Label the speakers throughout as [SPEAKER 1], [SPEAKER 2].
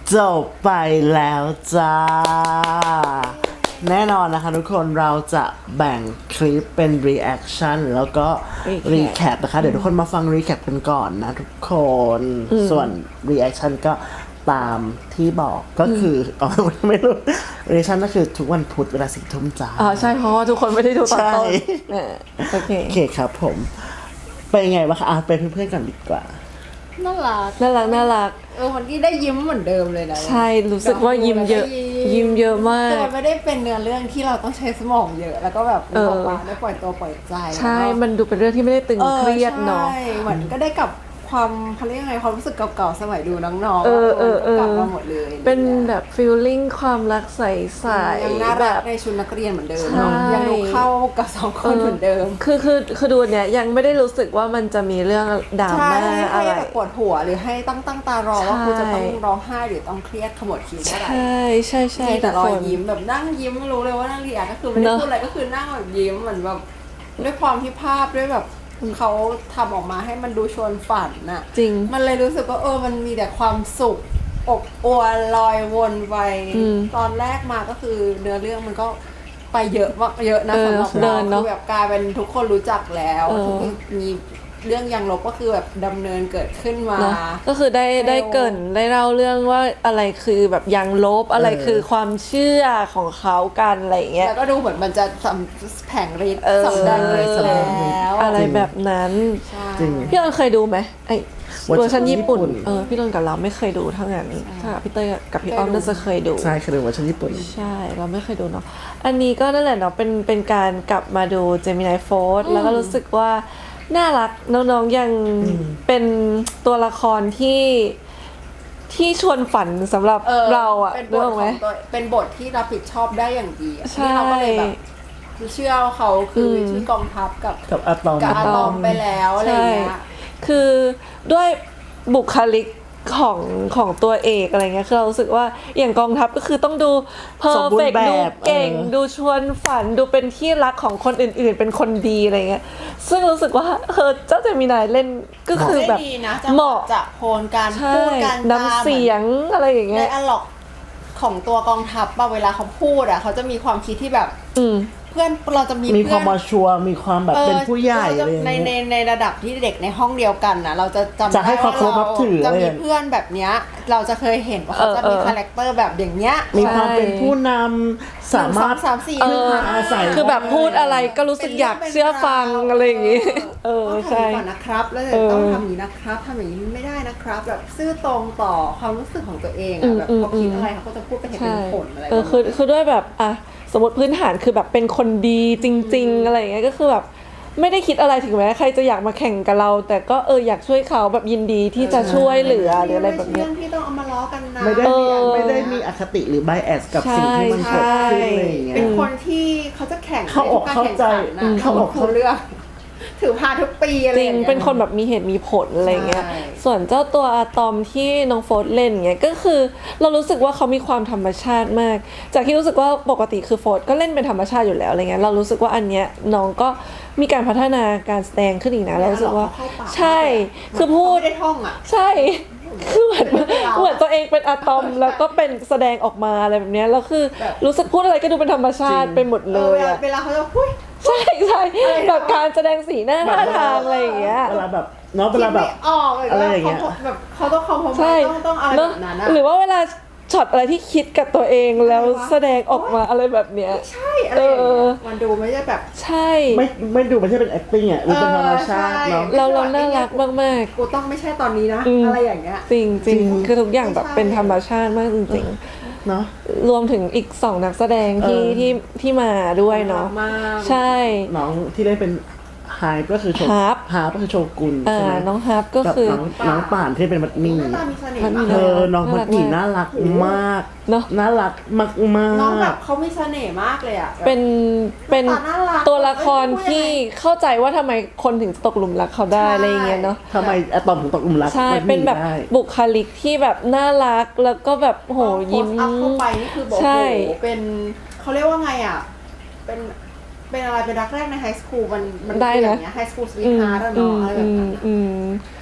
[SPEAKER 1] จบไปแล้วจ้าแน่นอนนะคะทุกคนเราจะแบ่งคลิปเป็น reaction แล้วก็ recap นะคะเดี๋ยวทุกคนมาฟัง recap กันก่อนนะทุกคนส่วน reaction ก็ตามที่บอกก็คือไม่รู้ reaction ก็คือทุกวันพุธเวลา10 ทุ่มจ้า
[SPEAKER 2] ใช่เพราะว่าทุกคนไม่ได้ดูตอนต้นโอเค
[SPEAKER 1] ครับผมเป็นไงวะคะไปเพื่อนๆกันดีกว่า
[SPEAKER 3] น่ารักคนที่ได้ยิ้มเหมือนเดิมเลยนะ
[SPEAKER 2] ใช่รู้สึกว่ายิ้มเยอะมาก
[SPEAKER 3] แต่ไม่ได้เป็นเนื้อเรื่องที่เราต้องใช้สมองเยอะแล้วก็แบบได้ปล่อยตัวปล่อยใจ
[SPEAKER 2] ใช่มันดูเป็นเรื่องที่ไม่ได้ตึงเครียดเนาะ
[SPEAKER 3] ใช่เหมือนก็ได้กับความเขาเรียกไงความรู้สึกเก่าๆสมัยดูน้องๆกลับมาหมดเลย
[SPEAKER 2] เป็นแบบฟีลลิ่งความรักใสๆ
[SPEAKER 3] ยังน่ารักในชุดนักเรียนเหมือนเดิมยังดูเข้ากับ2 คนเหมือนเดิม
[SPEAKER 2] คือดูเนี่ยยังไม่ได้รู้สึกว่ามันจะมีเรื่องดราม่าอะไร
[SPEAKER 3] ปวดหัวหรือให้ตั้งตารอว่าคุณจะต้องร้องไห้หรือต้องเครียดขมวดคิ้วอะไร
[SPEAKER 2] ใช่
[SPEAKER 3] แต่รอยยิ้มแบบนั่งยิ้มรู้เลยว่านั่งรีแอคก็คือไม่ได้พูดอะไรก็คือนั่งแบบยิ้มเหมือนแบบด้วยความที่ภาพด้วยแบบเขาทำออกมาให้มันดูชวนฝันน่ะ
[SPEAKER 2] จริง
[SPEAKER 3] มันเลยรู้สึกว่ามันมีแต่ความสุขอบอวลลอยวนไปตอนแรกมาก็คือเนื้อเรื่องมันก็ไปเยอะมากเยอะนะสำหรับเราคือแบบกลายเป็นทุกคนรู้จักแล้วมีเรื่องยังลบก็คือแบบดำเนินเกิดขึ้นมา
[SPEAKER 2] ก็คือได้เกินได้เล่าเรื่องว่าอะไรคือแบบยังลบอะไรคือความเชื่อของเขากันอะไรเงี้ย
[SPEAKER 3] แล้วก็ดูเหมือนมันจะแผงฤทธิ์สำแดงฤทธิ์แล้ว
[SPEAKER 2] อะไรแบบนั้นพี่ออนเคยดูไหมไอเวอร์ชันญี่ปุ่นพี่ออนกับเราไม่เคยดูทั้งนั้นถ้าพี่เต้ยกับพี่อ้อมน่าจะเคยดู
[SPEAKER 1] ใช่เคยดูเวอร์ชันญี่ปุ่น
[SPEAKER 2] ใช่เราไม่เคยดูเนาะอันนี้ก็นั่นแหละเนาะเป็นการกลับมาดูเจมินายโฟร์แล้วก็รู้สึกว่าน่ารักน้องๆยังเป็นตัวละครที่ชวนฝันสำหรับเราอ่ะ
[SPEAKER 3] รู้ไหมเป็นบทที่รับผิดชอบได้อย่างดีที่เราก็เลยแบบเชื่อเขาคือชื่อกองทัพกับ
[SPEAKER 1] อะตอม
[SPEAKER 3] ไปแล้วอะไรเงี้ย
[SPEAKER 2] คือด้วยบุคลิกของตัวเอกอะไรเงี้ยคือเรารู้สึกว่าอย่างกองทัพก็คือต้องดูเพอร์เฟกต์ดูเก่งดูชวนฝันดูเป็นที่รักของคนอื่นๆเป็นคนดีอะไรเงี้ยซึ่งรู้สึกว่าเจ้าเจมินายเล่นก็คือแบบเหมาะ
[SPEAKER 3] จะโพลการพูดการ
[SPEAKER 2] น้ำเสียงอะไรอย่างเงี้ย
[SPEAKER 3] ในอะล็อกของตัวกองทัพเวลาเขาพูดเขาจะมีความคิดที่แบบเพื่อนเราจะ
[SPEAKER 1] มีความมาชัวร์มีความแบบเป็นผู้ใหญ่เลย
[SPEAKER 3] ในระดับที่เด็กในห้องเดียวกันนะเราจะจำ
[SPEAKER 1] ได้ว่าเรา
[SPEAKER 3] จะมีเพื่อนแบบเนี้ยเราจะเคยเห็นว่าเขาจะมีคาแรคเตอร์แบบอย่างเนี้ย
[SPEAKER 1] มีความเป็นผู้นำสามารถ
[SPEAKER 3] อาศัย
[SPEAKER 2] คือแบบพูดอะไรก็รู้สึกอยากเชื่อฟังอะไรอย่างงี้
[SPEAKER 3] ใช่ก่อนนะครับแล้วต้องทำอย่างนี้นะครับทำอย่างนี้ไม่ได้นะครับแบบซื่อตรงต่อความรู้สึกของตัวเองแบบเขาคิดอะไรเขาก็จะพูดไปเห็นเป็นผลอะไร
[SPEAKER 2] คือด้วยแบบสมมติพื้นฐานคือแบบเป็นคนดีจริงๆอะไรอย่างเงี้ยก็คือแบบไม่ได้คิดอะไรถึงแม้ใครจะอยากมาแข่งกับเราแต่ก็อยากช่วยเขาแบบยินดีที่จะช่วยเหลือหรืออะไรแบบนี้
[SPEAKER 3] ที่ต้องเอามาล้อกันนะ
[SPEAKER 1] ไม่ได้มีอคติหรือ bias กับสิ่งที่มันเกิดขึ้นอะไรอย่างเงี้ย
[SPEAKER 3] เป็นคนที่เขาจะแข่ง
[SPEAKER 1] เขาออกเข้าใจ
[SPEAKER 3] เขาบอกเขาเลือกถือพาทุกปีอะไร
[SPEAKER 2] จริงเป็นคนแบบมีเหตุมีผลอะไรเงี้ยส่วนเจ้าตัวอะตอมที่น้องโฟร์เล่นเงี้ยก็คือเรารู้สึกว่าเขามีความธรรมชาติมากจากที่รู้สึกว่าปกติคือโฟร์ก็เล่นเป็นธรรมชาติอยู่แล้วอะไรเงี้ยเรารู้สึกว่าอันเนี้ยน้องก็มีการพัฒนาการแสดงขึ้นอีกนะเรารู้สึกว่าใช่คือพูด
[SPEAKER 3] ได้ท่อง
[SPEAKER 2] ใช่คือเหมือนตัวเองเป็นอะตอมแล้วก็เป็นแสดงออกมาอะไรแบบนี้แล้วคือรู้สึกพูดอะไรก็ดูเป็นธรรมชาติไปหมดเลย
[SPEAKER 3] เวลาเขาจะพูด
[SPEAKER 2] ใช่แบบการแสดงสีหน้าท่าทางอะไรอย่างเงี้ย
[SPEAKER 1] เวลาแบบเนาะเวลาแบบ
[SPEAKER 3] อะไรอย่างเงี้ยแบบเขาต้องคอมโพมต้องอะไรแบบนั้น
[SPEAKER 2] หรือว่าเวลาช็อตอะไรที่คิดกับตัวเองแล้วแสดงออกมาอะไรแบบเนี้ย
[SPEAKER 3] ใช่อะไรมันดูไม่ใช่แบบ
[SPEAKER 2] ใช่
[SPEAKER 1] ไม่ดูไม่ใช่เป็น acting อ่ะดูเป็นธรรมชาติเนาะ
[SPEAKER 2] เราน่ารักมาก
[SPEAKER 3] ๆกูต้องไม่ใช่ตอนนี้นะอะไรอย่างเงี้ย
[SPEAKER 2] จริงคือทุกอย่างแบบเป็นธรรมชาติมากจริงๆ
[SPEAKER 1] เนาะ
[SPEAKER 2] รวมถึงอีก2นักแสดงที่มาด้วยเนาะใช่
[SPEAKER 1] น้องที่ได้เป็นฮาร์ปก็คือก็คือโชกุนใช่ไหม
[SPEAKER 2] น้องฮาร์ปก็คือ
[SPEAKER 1] น้องป่านที่เป็นมัดหมี่น้องมัดหมี่น่ารักมากน่ารักมาก
[SPEAKER 3] น้องแบบเขามีเสน่ห์มากเลยอ่ะ
[SPEAKER 2] เป็นตัวละครที่เข้าใจว่าทำไมคนถึงตกหลุมรักเขาได้อะไรอย่างเงี้ยเนาะ
[SPEAKER 1] ทำไมอะตอมถึงตกหลุมรัก
[SPEAKER 2] ใช่เป็นแบบบุคลิกที่แบบน่ารักแล้วก็แบบโหยิ้ม
[SPEAKER 3] เข้าไปนี่คือบอกโหเป็นเขาเรียกว่าไงอ่ะเป็นอะไรเป็นรักแรกในไฮสคูลมัน
[SPEAKER 2] ได้
[SPEAKER 3] อย่างเงี้ยไฮสคูลสวีทฮาร์ทเนาะอะไรแบบนั้น
[SPEAKER 2] ใ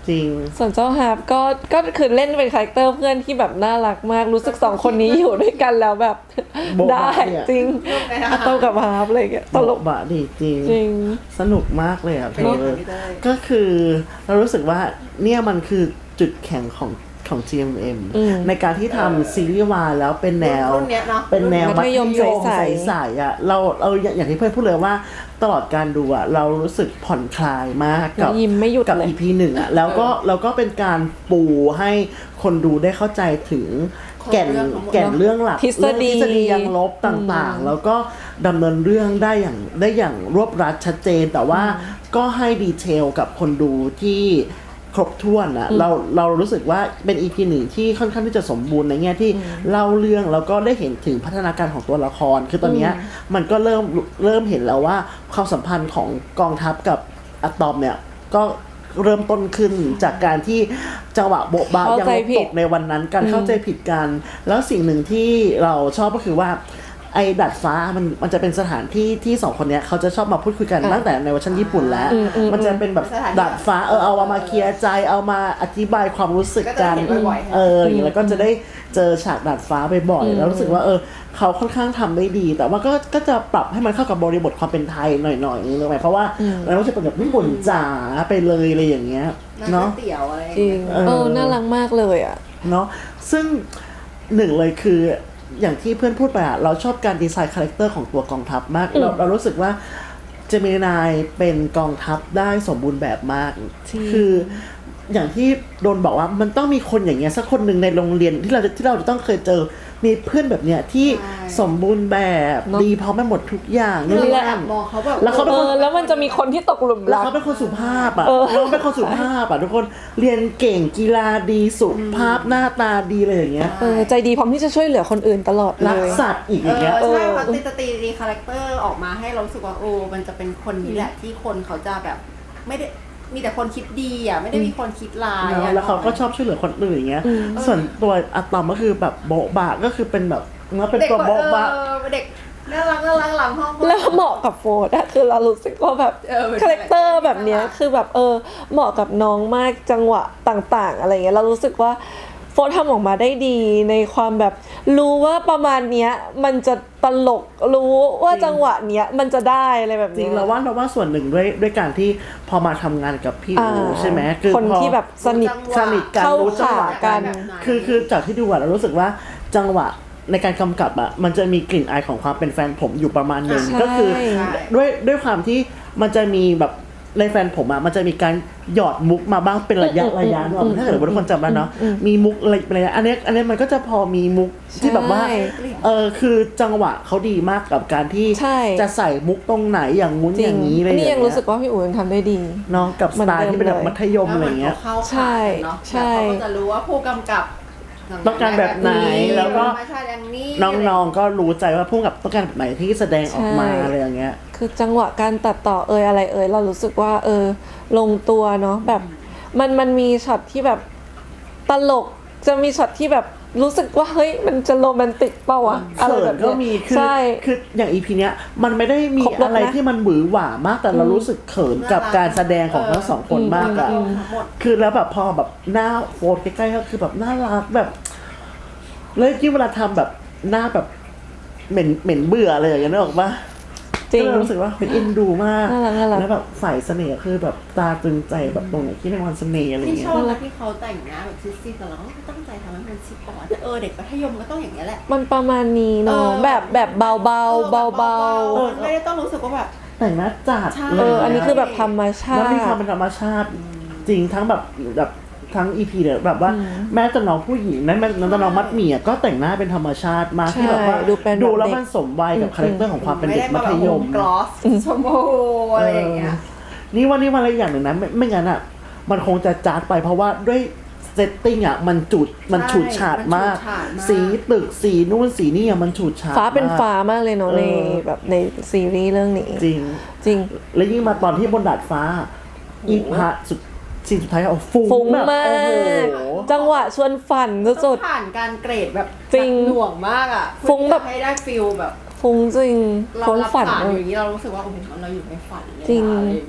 [SPEAKER 1] จริง
[SPEAKER 2] ส่วนเจ้าฮาร์ปก็คือเล่นเป็นคาแรคเตอร์เพื่อนที่แบบน่ารักมากรู้สึกสองคนนี้อยู่ด้วยกันแล้วแบบ
[SPEAKER 1] โบ๊ะบะ
[SPEAKER 2] ได้
[SPEAKER 1] เนี่ย
[SPEAKER 2] จริงอะตอมกับฮาร์ปอะไรอย่างเงี้ยตลก
[SPEAKER 1] บะดีจริง
[SPEAKER 2] จริง
[SPEAKER 1] สนุกมากเลยอ่ะเธ
[SPEAKER 3] เป็น
[SPEAKER 1] อ
[SPEAKER 3] ยังไงพี่เต้ย
[SPEAKER 1] ก็คือเรารู้สึกว่าเนี่ยมันคือจุดแข็งของ GMM ในการที่ทำซีรีส์วายแล้วเป็นแนว
[SPEAKER 3] รุ่นเนี้ยเนอะ
[SPEAKER 1] เป็นแนว
[SPEAKER 2] มัธยมใสๆ
[SPEAKER 1] ใสๆอ่ะเราอย่างที่เพื่อนพูดเลยว่าตลอดการดูอ่ะเรารู้สึกผ่อนคลายมากกับ
[SPEAKER 2] ยิ้มไม่หยุด
[SPEAKER 1] กับ
[SPEAKER 2] เลย
[SPEAKER 1] EP 1อ่ะแล้วก็เป็นการปูให้คนดูได้เข้าใจถึงแก่น
[SPEAKER 3] เรื่องทั้งหมด
[SPEAKER 1] แก่นเรื่องหลัก
[SPEAKER 2] ทฤษฎี
[SPEAKER 1] เรื่องทฤษฎียังลบต่างๆ แล้วก็ดำเนินเรื่องได้อย่างรวบรัดชัดเจน แต่ว่าก็ให้ดีเทลกับคนดูที่ครบถ้วนอะเรารู้สึกว่าเป็น EP หนึ่งที่ค่อนข้างที่จะสมบูรณ์ในแง่ที่เล่าเรื่องแล้วก็ได้เห็นถึงพัฒนาการของตัวละคร คือตอนเนี้ยมันก็เริ่มเห็นแล้วว่าความสัมพันธ์ของกองทัพกับอะตอมเนี่ยก็เริ่มต้นขึ้นจากการที่จังหวะโบ๊ะบะ
[SPEAKER 2] เข้า
[SPEAKER 1] ยัง
[SPEAKER 2] ใจ
[SPEAKER 1] ลบ
[SPEAKER 2] ผิ
[SPEAKER 1] ต
[SPEAKER 2] ด
[SPEAKER 1] กในวันนั้นการเข้าใจผิดกัน แล้วสิ่งหนึ่งที่เราชอบก็คือว่าไอ้ดัดฟ้ามันจะเป็นสถานที่ที่สองคนเนี้ยเขาจะชอบมาพูดคุยกันตั้งแต่ในเวอร์ชันญี่ปุ่นแล้ว มันจะเป็นแบบ
[SPEAKER 3] สถานที่
[SPEAKER 1] ดัดฟ้าเอามาเคลียร์ใจเอามาอธิบายความรู้สึกกัน
[SPEAKER 3] ก็จะเห็นบ่อยๆ
[SPEAKER 1] อย่างเงี้ยแล้วก็จะได้เจอฉากดัดฟ้าบ่อยๆแล้วรู้สึกว่าเขาค่อนข้างทำได้ดี แต่ว่าก็จะปรับให้มันเข้ากับบริบทความเป็นไทยหน่อยๆนึกไหมเพราะว่าเราไม่ใช่เป็นแบบญี่ปุ่นจ๋าไปเลยอะไรอย่างเงี้ย
[SPEAKER 3] เนาะ
[SPEAKER 1] เนาะ
[SPEAKER 3] เตี๋ยวอะไร
[SPEAKER 2] จริงน่ารักมากเลยอ่ะ
[SPEAKER 1] เนาะซึ่งหนึ่งเลยคืออย่างที่เพื่อนพูดไปอะเราชอบการดีไซน์คาแรคเตอร์ของตัวกองทัพมากเรารู้สึกว่าเจมินายเป็นกองทัพได้สมบูรณ์แบบมาก คืออย่างที่โดนบอกว่ามันต้องมีคนอย่างเงี้ยสักคนหนึ่งในโรงเรียนที่เราจะต้องเคยเจอมีเพื่อนแบบเนี้ยที่สมบูรณ์แบบ
[SPEAKER 2] เนอะ
[SPEAKER 1] ดีพร้อมไปหมดทุกอย่าง
[SPEAKER 3] นี่
[SPEAKER 1] นี่
[SPEAKER 3] แห
[SPEAKER 1] แห
[SPEAKER 3] ละ
[SPEAKER 1] ละ
[SPEAKER 3] มองเขาแบบ
[SPEAKER 1] แล้วเขาเป็นคน
[SPEAKER 2] แล้วมันจะมีคนที่ตกหลุม
[SPEAKER 1] แล้ว
[SPEAKER 2] รัก
[SPEAKER 1] เขาเป็นคนสุภาพอ่ะเขาเป็นคนสุภาพอ่ะทุกคนเรียนเก่งกีฬาดีสุภาพหน้าตาดีอะไรอย่างเงี้ย
[SPEAKER 2] ใจดีพร้อมที่จะช่วยเหลือคนอื่นตลอดเล
[SPEAKER 1] รัก
[SPEAKER 2] ย
[SPEAKER 1] สัตว์อีกอย่างเงี้ย
[SPEAKER 3] ใช่เขาตีคาแรคเตอร์ออกมาให้เรารู้สึกว่ามันจะเป็นคนนี้แหละที่คนเขาจะแบบไม่ได้มีแต่คนคิดดีอ่ะไม่ได้มีคนคิดร้าย
[SPEAKER 1] เนอะ
[SPEAKER 3] อ่ะ
[SPEAKER 1] แล้วเขาก็ชอบช่วยเหลือคนอื่นอย่างเงี้ย ส่วนตัวอะตอมก็คือแบบโบ๊ะบะก็คือเป็นแบบมันเป็น
[SPEAKER 3] เด็ก
[SPEAKER 1] ตัวโบ๊ะบะ
[SPEAKER 3] เด็กน่ารักหลังห้อง
[SPEAKER 2] แล้วเหมาะกับโฟร์อะคือเรารู้สึกว่าแบบ
[SPEAKER 3] เป็น
[SPEAKER 2] คาแรคเตอร์แบบเนี้ย
[SPEAKER 3] น่ารัก
[SPEAKER 2] คือแบบเหมาะกับน้องมากจังหวะต่างๆ อะไรเงี้ยเรารู้สึกว่าโฟร์ทำออกมาได้ดีในความแบบรู้ว่าประมาณเนี้ยมันจะตลกรู้ว่าจังหวะเนี้ยมันจะได้อะไรแบบ
[SPEAKER 1] จริ
[SPEAKER 2] เนี้
[SPEAKER 1] ง
[SPEAKER 2] ย
[SPEAKER 1] เราว่าส่วนหนึ่งด้วยการที่พอมาทำงานกับพี่อู
[SPEAKER 2] อ่า
[SPEAKER 1] ใช่ไหมคือ
[SPEAKER 2] คน
[SPEAKER 1] พอ
[SPEAKER 2] ที่แบบสนิท
[SPEAKER 1] สนิทกัน
[SPEAKER 2] เข้า
[SPEAKER 1] รู้จังหวะ
[SPEAKER 2] ขากัน
[SPEAKER 1] คือจากที่ดูอะเรารู้สึกว่าจังหวะในการกำกับอะมันจะมีกลิ่นอายของความเป็นแฟนผมอยู่ประมาณหนึ่ง
[SPEAKER 2] ใช่
[SPEAKER 1] ก็คือด้วยความที่มันจะมีแบบในแฟนผมอะมันจะมีการหยอดมุกมาบ้างเป็นระยะเนอะถ้าเกิดว่าทุกคนจำได้เนาะมีมุกอะไรอันนี้มันก็จะพอมีมุกที่แบบว่า
[SPEAKER 2] ใช่
[SPEAKER 1] คือจังหวะเขาดีมากกับการที่
[SPEAKER 2] ใช่
[SPEAKER 1] จะใส่มุกตรงไหนอย่างงู้น
[SPEAKER 2] จริ
[SPEAKER 1] อง ย่างนี้อะไรอย่าง
[SPEAKER 2] นี่
[SPEAKER 1] เงี้
[SPEAKER 2] ยังรู้สึกว่าพี่อู๋ยังทำได้ดี
[SPEAKER 1] เนาะกับสไตล์ที่เป็นแบบ
[SPEAKER 2] เหมื
[SPEAKER 1] มั
[SPEAKER 2] อน
[SPEAKER 1] ธ
[SPEAKER 2] เดิมเลย
[SPEAKER 1] ยมอะไรเงี้ย
[SPEAKER 3] เข้า
[SPEAKER 2] ใช่
[SPEAKER 3] ขากันเนาะ
[SPEAKER 2] ใช่
[SPEAKER 3] แล้วเขาก็จะรู้ว่าผู้กำกับ
[SPEAKER 1] ต้องการแบบไหนแล้วก็
[SPEAKER 3] ธรรมชาติอย่างนี้
[SPEAKER 1] น้องๆก็รู้ใจว่าพุ่งกับต้องการแบบไหนที่แสดงออกมา
[SPEAKER 2] ใช่
[SPEAKER 1] อะไรอย่างเงี้ย
[SPEAKER 2] คือจังหวะการตัดต่ออะไรเรารู้สึกว่าลงตัวเนาะแบบมันมีช็อตที่แบบตลกจะมีช็อตที่แบบรู้สึกว่าเฮ้ยมันจะโรแมนติกเปล่าวะอะไร
[SPEAKER 1] เขิ
[SPEAKER 2] แบ
[SPEAKER 1] น
[SPEAKER 2] บ
[SPEAKER 1] ก็
[SPEAKER 2] เนี้ย
[SPEAKER 1] มี
[SPEAKER 2] ใช่
[SPEAKER 1] คืออย่างอีพีเนี้ยมันไม่ได้มี
[SPEAKER 2] ครบรสนะ
[SPEAKER 1] อะไรที่มันหวือหวามาก แต่เรารู้สึกเขินกับการแสดงของทั้งสองคนมากอะ
[SPEAKER 3] ทั้งหมด
[SPEAKER 1] คือแล้วแบบพอแบบหน้าโฟนใกล้ๆก็คือแบบน่ารักแบบแล้วยิ่งเวลาทำแบบหน้าแบบเหม็นเบื่ออะไรอย่างเงี้ยนึกออกปะ
[SPEAKER 2] จริง
[SPEAKER 1] ก็เลยรู้สึกว่าเป็นเอ็นดูมาก
[SPEAKER 2] น่ารัก
[SPEAKER 1] แล้วแบบฝ่ายเสน่ห์คือแบบตาตรึงใจแบบตรงไหนที่เป็นวันเสน่ห์อะไร
[SPEAKER 3] ที่
[SPEAKER 1] เงี้
[SPEAKER 3] ช
[SPEAKER 1] ย
[SPEAKER 3] อบนะที่เขาแต่งหน้าแบบซิดๆแต่เราก็ตั้งใจทำให้มันซิดก่อนแต่เด็กมัธยมก็ต้องอย่างนี้ยแหละ
[SPEAKER 2] มันประมาณนี้เนาะแบบเบาๆ
[SPEAKER 3] ไม่ได้ต้องรู้สึกว่าแบบ
[SPEAKER 1] แต่งหน้าจัด
[SPEAKER 3] ใช่
[SPEAKER 1] เลย
[SPEAKER 2] อันนี้คือแบบธรรมชา
[SPEAKER 1] แล้ว
[SPEAKER 2] ติ
[SPEAKER 1] มีความเป็นธรรมชาติจริงทั้งแบบทั้งอีพีเนี่ยแบบว่าแม้แต่น้องผู้หญิงแม้แต่น้องมัดหมี่อะก็แต่งหน้าเป็นธรรมชาติมาก
[SPEAKER 2] ใช่
[SPEAKER 1] ที่แบบว่า
[SPEAKER 2] ดูเป็นแบบ
[SPEAKER 1] ดูแล้ว
[SPEAKER 2] เด็ก
[SPEAKER 1] มันสมวัยกับคาแรคเตอร์ของความเป็น
[SPEAKER 3] ไม่
[SPEAKER 1] เด็
[SPEAKER 3] ได้
[SPEAKER 1] กมั
[SPEAKER 3] มาแบ
[SPEAKER 1] ธ
[SPEAKER 3] บ
[SPEAKER 1] ย
[SPEAKER 3] โฮ
[SPEAKER 1] ม
[SPEAKER 3] มกลอสชมพูอะไรอย่างเงี้ย
[SPEAKER 1] นี่ว่าอย่างหนึ่งนะไม่งั้นอ่ะมันคงจะจาดไปเพราะว่าด้วยเซตติ้งอ่ะมันฉูดฉาดมาก สีตึกสีนู่นสีนี่อ่ะมันฉูดฉาด
[SPEAKER 2] ฟ้าเป็น
[SPEAKER 1] มก
[SPEAKER 2] ฟ้ามากเลยเนาะในแบบในซีรีส์เรื่องนี้
[SPEAKER 1] จริง
[SPEAKER 2] จริง
[SPEAKER 1] แล้วยิ่งมาตอนที่บนดาดฟ้า อีพระซีนสุดท้ายเอาฟุ้ง
[SPEAKER 2] ฟุ้ง
[SPEAKER 1] แบบ
[SPEAKER 2] มา
[SPEAKER 1] โอ้โห
[SPEAKER 2] ก จังหวะชวนฝันสุ
[SPEAKER 3] ต้อ
[SPEAKER 2] ด
[SPEAKER 3] งผ่านการเกรดแบบ
[SPEAKER 2] จริง
[SPEAKER 3] หน่วงมากอ่ะ
[SPEAKER 2] ฟุ้งแบบ
[SPEAKER 3] เพื่อที่จะให้ได้ฟิลแบบ
[SPEAKER 2] ๆฟุ้งจริง
[SPEAKER 3] เรา
[SPEAKER 2] ฟุ้ง
[SPEAKER 3] รับ
[SPEAKER 2] ฝัน
[SPEAKER 3] ฝันอยู่อย่างนี้เรารู้สึกว่าโอ้โหเราอยู่ในฝันเลย
[SPEAKER 2] จริง
[SPEAKER 3] อะไรอย่างเงี้ย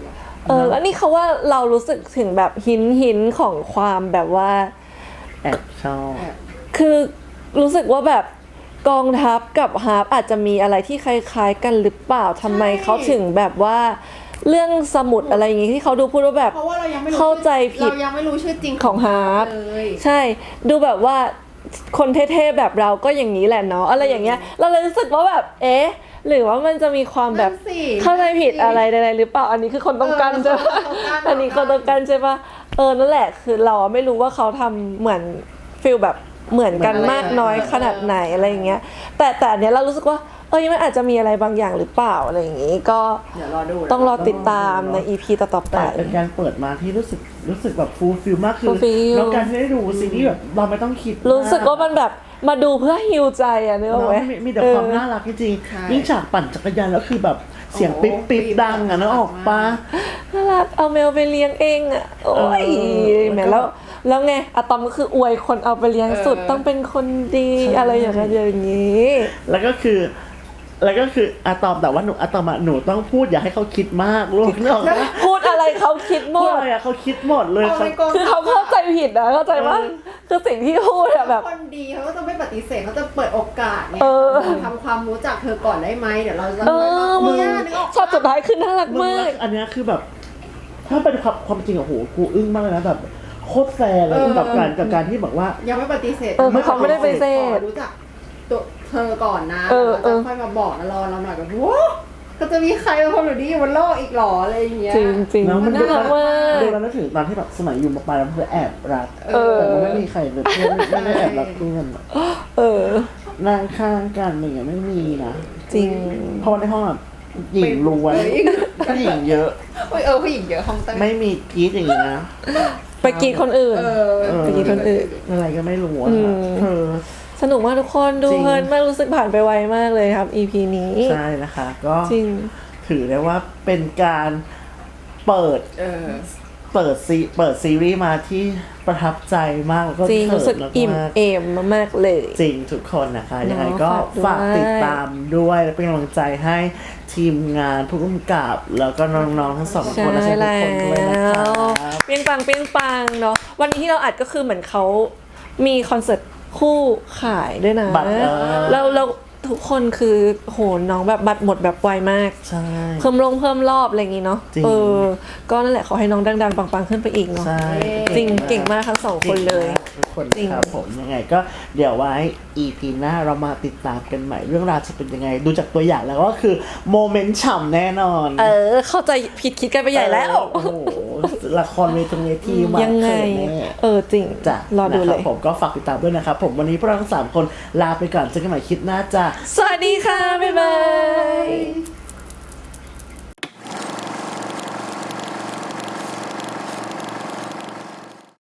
[SPEAKER 2] แล้วนี่เขาว่าเรารู้สึกถึงแบบหินของความแบบว่า
[SPEAKER 1] แอบชอบ
[SPEAKER 2] คือรู้สึกว่าแบบกองทัพกับฮาร์ปอาจจะมีอะไรที่คล้ายๆกันหรือเปล่าทำไมเขาถึงแบบว่าเรื่องสมุดอะไรอย่างงี้ที่เขาดูพูดว่าแบบ
[SPEAKER 3] เพราะว่าเรายังไม่รู้
[SPEAKER 2] เข้าใจผิด
[SPEAKER 3] เรายังไม่รู้ชื่อจริง
[SPEAKER 2] ของฮาร์ป
[SPEAKER 3] เลย
[SPEAKER 2] ใช่ดูแบบว่าคนเท่ๆแบบเราก็อย่างนี้แหละเนาะอะไรอย่างเงี้ยเราเลยรู้สึกว่าแบบเอ๊ะหรือว่ามันจะมีความแบบ
[SPEAKER 3] นั่นสิ
[SPEAKER 2] เข้าใจผิดอะไรใดๆหรือเปล่าอันนี้คือคนต้องการใช่ปะ
[SPEAKER 3] คนต้องการ
[SPEAKER 2] อันนี้คนต้องการใช่ปะนั่นแหละคือเราไม่รู้ว่าเขาทำเหมือนฟิลแบบเหมือนกันมากน้อยขนาดไหนอะไรอย่างเงี้ยแต่อันเนี้ยเรารู้สึกว่ามันอาจจะมีอะไรบางอย่างหรือเปล่าอะไรอย่างงี้ก็
[SPEAKER 3] เดี๋ยวรอดู
[SPEAKER 2] ต้องรอติดตามใน EP ต่อๆไป
[SPEAKER 1] แต่เป็นการเปิดมาที่รู้สึกแบบฟูลฟิลมากคือ
[SPEAKER 2] fulfill
[SPEAKER 1] แล้วการที่ได้ดูซีรีส์แบบเราไม่ต้องคิด
[SPEAKER 2] รู้สึกว่ามันแบบมาดูเพื่อฮิวใจอะนึกออก
[SPEAKER 1] เนาะ
[SPEAKER 2] ไหม
[SPEAKER 1] มีแต่ความน่ารักจริง
[SPEAKER 3] ใช่
[SPEAKER 1] ๆยิ่งฉากปั่นจักรยานแล้วคือแบบเสียงปิ๊บปิ๊บดังอะนึกออกปะ
[SPEAKER 2] น่ารักเอาแมวไปเลี้ยงเองอะโอ้ย
[SPEAKER 1] แล้วก็
[SPEAKER 2] แหมแล้วไงอะตอมก็คืออวยคนเอาไปเลี้ยงสุดต้องเป็นคนดีอะไรอย่างเงี้ยอย่างงี้
[SPEAKER 1] แล้วก็คืออะตอมแต่ว่าอะตอมหนูต้องพูดอย่าให้เขาคิดมากลูกนึกออกปะ
[SPEAKER 2] พูดอะไรเขาคิดหม
[SPEAKER 1] พูด
[SPEAKER 2] ด
[SPEAKER 1] อะไรอะเขาคิดหมดเลย
[SPEAKER 3] เอา
[SPEAKER 1] เขา
[SPEAKER 3] ในกอง
[SPEAKER 2] คือเขาเข้าใจผิดนะเข้าใจว่าคือสิ่งที่พูดอะแบบ
[SPEAKER 3] คนดีเขาก็จะไม่ปฏิเสธเขาจะเปิดโอกาสเนี่ย
[SPEAKER 2] เออ
[SPEAKER 3] ทำความรู้จักเธอก่อนได้ไหมเดี๋ยวเราจะ
[SPEAKER 2] มึง
[SPEAKER 3] เนี่ยนึกออก
[SPEAKER 2] ชอบสุดท้ายคือน่ารัก
[SPEAKER 1] มึง
[SPEAKER 2] มาก
[SPEAKER 1] อันเนี้ยคือแบบ ถ้าเป็นความจริงอะโหกูอึ้งมากเลยนะแบบโคตรแฟร์เลยกับการที่บอกว่า
[SPEAKER 3] ยังไม่ปฏิเสธ
[SPEAKER 2] เขาไม่ได้ปฏิเสธ
[SPEAKER 3] ขอรู้จักตัวเธอก่อนนะ
[SPEAKER 2] เออ
[SPEAKER 3] แล้วจะค่อยมาบอกนะรอเราหน่อยแบบว้าก็จะมีใครเป็นคนแบบนี้อยู่บนโลกอีกหรออะไรอย่างเงี้ย
[SPEAKER 2] จริงจริง
[SPEAKER 1] แล้วมัน
[SPEAKER 2] น่ารักมาก
[SPEAKER 1] ดูแล้วนึกถึงตอนที่แบบสมัยอยู่มาปลายแล้วเพื่อแอบรัก
[SPEAKER 3] เออ
[SPEAKER 1] แต่มันไม่มีใครเลยเพื่อนไม่ได้แอบรักเพื่อนอะ
[SPEAKER 2] เออ
[SPEAKER 1] นั่งข้างกันอะไรอย่างเงี้ยไม่มีนะ
[SPEAKER 2] จริง
[SPEAKER 1] เพราะว่าในห้องอะหญิงล้วนผู้หญิงเยอะ
[SPEAKER 3] ผู้หญิงเยอะห้องเต้น
[SPEAKER 1] ไม่มีกรีดอย่างงี้นะ
[SPEAKER 2] ไปกรีดคนอื่น ไปกรีดคนอื่น
[SPEAKER 1] อะไรก็ไม่รู้อะ
[SPEAKER 2] อืม
[SPEAKER 1] เธอ
[SPEAKER 2] สนุกมากทุกคนดู
[SPEAKER 1] จริง
[SPEAKER 2] เพลินมากรู้สึกผ่านไปไวมากเลยครับ EP นี้
[SPEAKER 1] ใช่นะคะ ก็
[SPEAKER 2] จริง
[SPEAKER 1] ถือได้ว่าเป็นการเปิด
[SPEAKER 3] เออ
[SPEAKER 1] เปิดซีรีส์มาที่ประทับใจมากแล้วก็
[SPEAKER 2] จริง
[SPEAKER 1] เขิ
[SPEAKER 2] รู้สึก
[SPEAKER 1] นมาก
[SPEAKER 2] อิ่มเอมมากๆเลย
[SPEAKER 1] จริงทุกคนนะคะ ยังไงก็
[SPEAKER 2] ฝา
[SPEAKER 1] ฝาก ก
[SPEAKER 2] ด้วย
[SPEAKER 1] ติดตามด้วยและเป็นกำลังใจให้ทีมงานผู้กำกับ แล้วก็น้องๆทั้งสองค
[SPEAKER 2] ใช่
[SPEAKER 1] นและทุก
[SPEAKER 2] แล้
[SPEAKER 1] คนด้วยนะครั
[SPEAKER 2] ว
[SPEAKER 1] บ
[SPEAKER 2] เปียงปังเนาะวันนี้ที่เราอัดก็คือเหมือนเขามีคอนเสิร์ตคู่ขายด้วยนะ
[SPEAKER 1] บัตร
[SPEAKER 2] แล้วทุกคนคือโหน้องแบบบัตรหมดแบบไวมาก
[SPEAKER 1] ใช่
[SPEAKER 2] เพิ่มรอบอะไรอย่างงี้เนาะ
[SPEAKER 1] จริง
[SPEAKER 2] ก็นั่นแหละขอให้น้องดังๆปังๆขึ้นไปอีกเนาะ
[SPEAKER 1] ใช่
[SPEAKER 2] จริงเก่งมากทั้งสองคนเลย
[SPEAKER 1] ก่งมากทุกคน
[SPEAKER 2] จริง
[SPEAKER 1] ครับผมยังไงก็เดี๋ยวไว้ EP หน้าเรามาติดตามกันใหม่เรื่องราวจะเป็นยังไง ดูจากตัวอย่างแล้วก็คือโมเมนต์ฉ่ำแน่นอน
[SPEAKER 2] เข้าใจผิดคิดกันไปใหญ่แล้ว
[SPEAKER 1] โอ้โหละครเวทีมา
[SPEAKER 2] ยังไง
[SPEAKER 1] เขินแน่
[SPEAKER 2] จริง
[SPEAKER 1] จ้ะ
[SPEAKER 2] รอดู
[SPEAKER 1] นะค
[SPEAKER 2] เล
[SPEAKER 1] รับ
[SPEAKER 2] ย
[SPEAKER 1] ผมก็ฝากติดตามด้วยนะครับผมวันนี้พวกเราทั้ง3คนลาไปก่อนเจอกันใหม่คลิปหน้าจ้ะ
[SPEAKER 2] สวัสดีค่ะ บ๊ายบาย